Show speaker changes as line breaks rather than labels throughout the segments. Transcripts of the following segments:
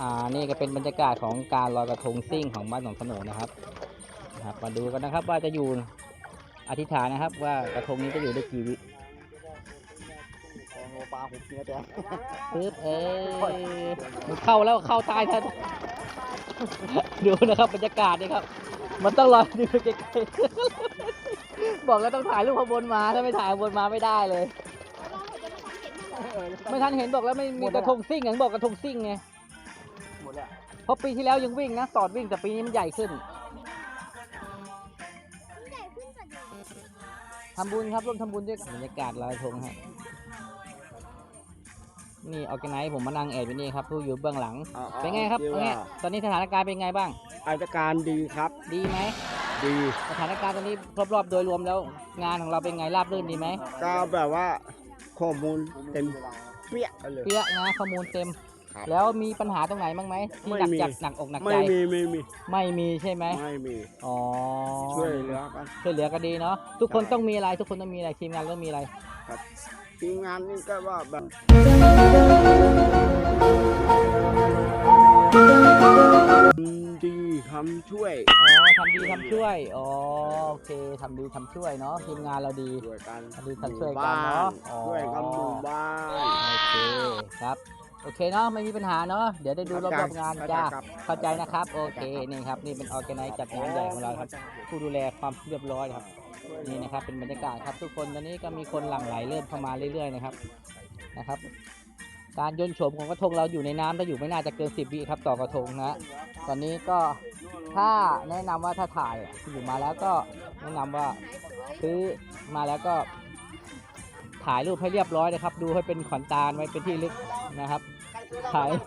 นี่ก็เป็นบรรยากาศของการลอยกระทงซิ่งของบ้านหนองสโหนนะครับมาดูกันนะครับว่าจะอยู่อธิษฐานนะครับว่ากระทงนี้จะอยู่ได้กี่วิ
ปลาผมเสียใจ
ปึ๊บมันเข้าแล้วเข้าใต้ท่านดูนะครับบรรยากาศนี่ครับมันต้องลอยดูใกล้ๆบอกแล้วต้องถ่ายรูปขบวนมาถ้าไม่ถ่ายขบวนมาไม่ได้เลยไม่ทันเห็นบอกแล้วไม่มีกระทงซิ่งอย่างบอกกระทงซิ่งไง
หมดแล้ว
เพราะปีที่แล้วยังวิ่งนะสอดวิ่งแต่ปีนี้มันใหญ่ขึ้นทำบุญครับร่วมทำบุญด้วยบรรยากาศลอยกระทงฮะนี่ออร์แกไนซ์ผมมานั่งแอบอยู่นี่ครับผู้อยู่เบื้องหลังเป็นไงครับเนี่ยตอนนี้สถานการณ์เป็นไงบ้าง
สถานการณ์ดีครับ
ดีไหม
ดี
สถานการณ์ตอนนี้รอบๆโดยรวมแล้วงานของเราเป็นไงราบรื่นดีไหม
ก็แบบว่าข้อมูลเต็มเปี้ยเลย
เปี้ยนะข้อมูลเต็มแล้วมีปัญหาตรงไหนบ้างไหมที่หนักจัดหนักอกหนักใจ
ไม่มี
ใช่ไหม
ไม่มี
อ๋อ
ช่วยเหลือ
กันดีเนาะทุกคนต้องมีอะไรทุกคนต้องมีอะไรทีมงานต้องมีอะไร
ครับทีมงานนี่ก็ว่าแบบดีทำช่วย
ทำดีทำช่วยโอเคทำดีทำช่วยเนาะทีมงานเราดี
ช่วยกัน
ทำดีทำช่วยกันเนาะ
ช่วยกันหมู่บ้าน
โอเคครับโอเคเนาะไม่มีปัญหาเนาะเดี๋ยวได้ดูรอบๆงานจ้าเข้าใจนะครับโอเคนี่ครับนี่เป็นออร์แกไนซ์จัดงานใหญ่ของเราครับผู้ดูแลความเรียบร้อยครับนี่นะครับเป็นบรรยากาศครับทุกคนตอนนี้ก็มีคนหลั่งไหลเริ่มเข้ามาเรื่อยๆนะครับการโยนโฉมของกระทงเราอยู่ในน้ำถ้าอยู่ไม่น่าจะเกิน10 วิครับต่อกระทงนะตอนนี้ก็ถ้าแนะนำว่าถ้าถ่ายอยู่มาแล้วก็แนะนำว่าซื้อมาแล้วก็ถ่ายรูปให้เรียบร้อยนะครับดูให้เป็นขวัญตาไว้เป็นที่ลึกนะครับถ่ายนี่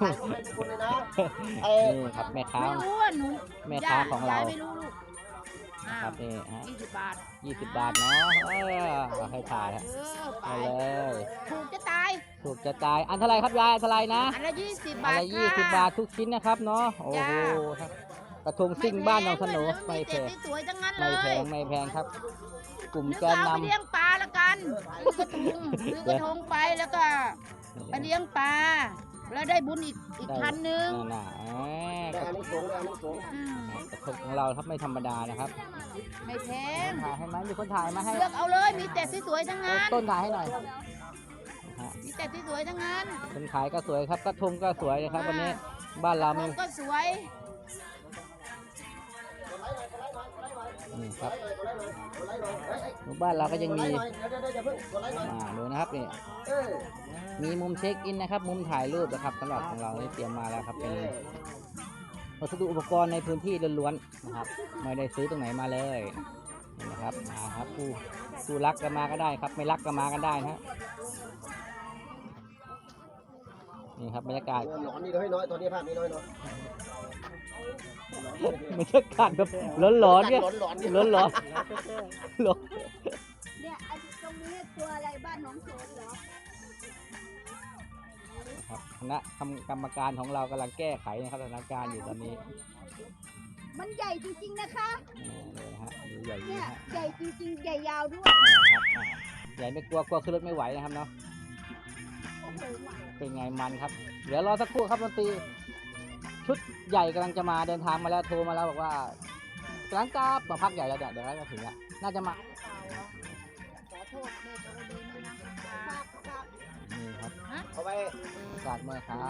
ครับแม่ค้าของเราครับนี่ฮะ20 บาทเนาะให้ถ่ายไปเลย
ถูกจะตาย
อันเท่าไรครับยายอันเท่าไรนะ
อันละ20 บาท
อันละ20 บาททุกชิ้นนะครับเนาะโอ้โหกระทงซิ่งบ้านหนองสโหนไม่แพงไม่แพงครับกลุ่มแกนนำ
เลี้ยงปลาละกันซื้อกระทงไปแล้วก็ไปเลี้ยงปลาแล้วได้บุญอีกพันหนึ่ง
กระทงของเราครับไม่ธรรมดานะครับ
ไม่แพง
ถ่ายให้ไหมมีคนถ่ายมาให้
เลือกเอาเลยมีแต่สวยๆทั้งนั้น
ต้นถ่ายให้หน่อย
มีแต่สวยๆทั้งนั้น
คนขายก็สวยครับกระทงก็สวยนะครับวันนี้บ้านเรา
ก็สวย
นี่ครับบ้านเราก็ยังมีดูนะครับนี่มีมุมเช็คอินนะครับมุมถ่ายรูปนะครับสำหรับของเราที่เตรียมมาแล้วครับเป็นวัสดุอุปกรณ์ในพื้นที่ล้วนๆนะครับไม่ได้ซื้อตรงไหนมาเลยนะครับมาครับผู้รักก็มาก็ได้ครับไม่รักก็มากันได้นะนี่ครับบรรยากาศ
ร้อนนี่น้อยตอนนี้ภาพนี้น้อย
บรรยากาศแบบร้อนเนี่ยร้อน
เนี่ยไอ้ตรงนี้ตัวอะไรบ้านน้องโสนเหรอ
ครับคณะกรรมการของเรากำลังแก้ไขนะครับสถานการณ์อยู่ตอนนี้
มันใหญ่จริงๆนะคะ
เลยฮะดูใหญ่
เนี่ยใหญ่จริงๆใหญ่ยาวด้วย
ครับใหญ่ไม่กลัวขึ้นรถไม่ไหวนะครับเนาะเป็นไงมันครับเดี๋ยวรอสักครู่ครับดนตรีชุดใหญ่กำลังจะมาเดินทางมาแล้วโทรมาแล้วบอกว่ากำลังกลับมาพักใหญ่แล้วเดี๋ยวจะถึงแล้วน่าจะมานี่ครับ
เอาไป
กาดเมื่อค้า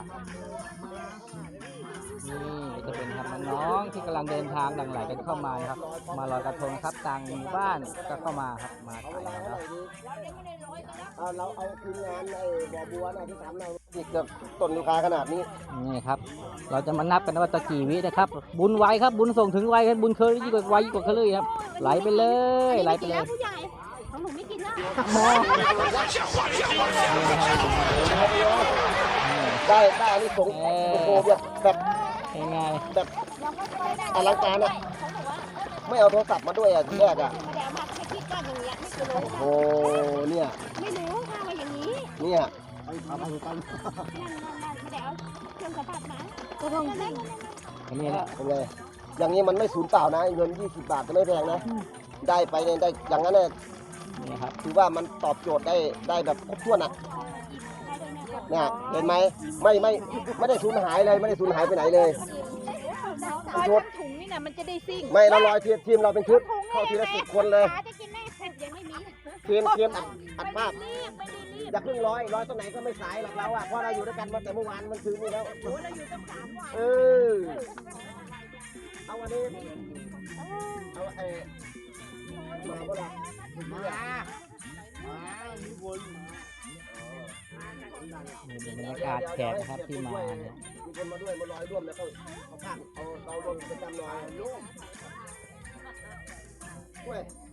นี่จะเป็นครับน้องๆที่กำลังเดินทางหลั่งไหลกันเข้ามานะครับมาลอยกระทงครับต่างหมู่บ้านก็เข้ามาครับมาถ่ายแล้ว
เราเอาทีมงานในบ่อบัวนะที่ทำเราอีกแบบต้นลูกค้าขนาดนี้
นี่ครับเราจะมานับกันว่าตะกี่วินะครับบุญไวครับบุญส่งถึงไวครับบุญเคยยิ่งกว่าไวยิ่งกว่าเคยครับไหลไปเลย
ของหนูไม่กินแล้ว
ได้อันนี้ส่งโอ้แบบ
ง่าย
แบบอลังการอ่ะไม่เอาโทรศัพท์มาด้วยอ่ะทีแรกอ่ะโอ้เนี่ย
ไม่รู้ค่ะว่าอย่างนี้
เนี่ย
เอามาดูกันเดี๋ยวเครื่องสัมผัสนะก็ต้อง
อันนี้แหละ
เลยอย่างนี้มันไม่สูญเปล่านะเงิน20 บาทก็ไม่แพงนะได้ไปเนี่ยได้อย่างนั้นเนี่ย
นี่ครับ
ถือว่ามันตอบโจทย์ได้แบบครบถ้วนอ่ะเนี่ยเห็นไหมไม่ได้สูญหายเลยไม่ได้สูญหายไปไหนเลย
ร้อยทั้งถุงนี่นะมันจะได้ซิ่ง
ไม่เราลอยทีมเราเป็นชุดเข้าทีละ10 คนเลย
จะกินแม่ยังไม่มี
ทีมอัดภาพ
รีบไม่ได้รีบ
อย่าเพิ่งร้อยตรงไหนก็ไม่สายหรอกเราอ่ะเพราะเราอยู่ด้วยกันมาแต่เมื่อวานมันคืนนี้แล้ว
โอ้เราอยู่ตั้ง3 วัน
เออเอาวันนี้เอามาบ่ล่ะ
นี่เป็นบรรยากาศแขกนะครับที่มาเนี่ย
มีคนมาด้วยมาลอยร่วมแล้วเขาพักเอาลงประจำหน่อยลูกเว้ย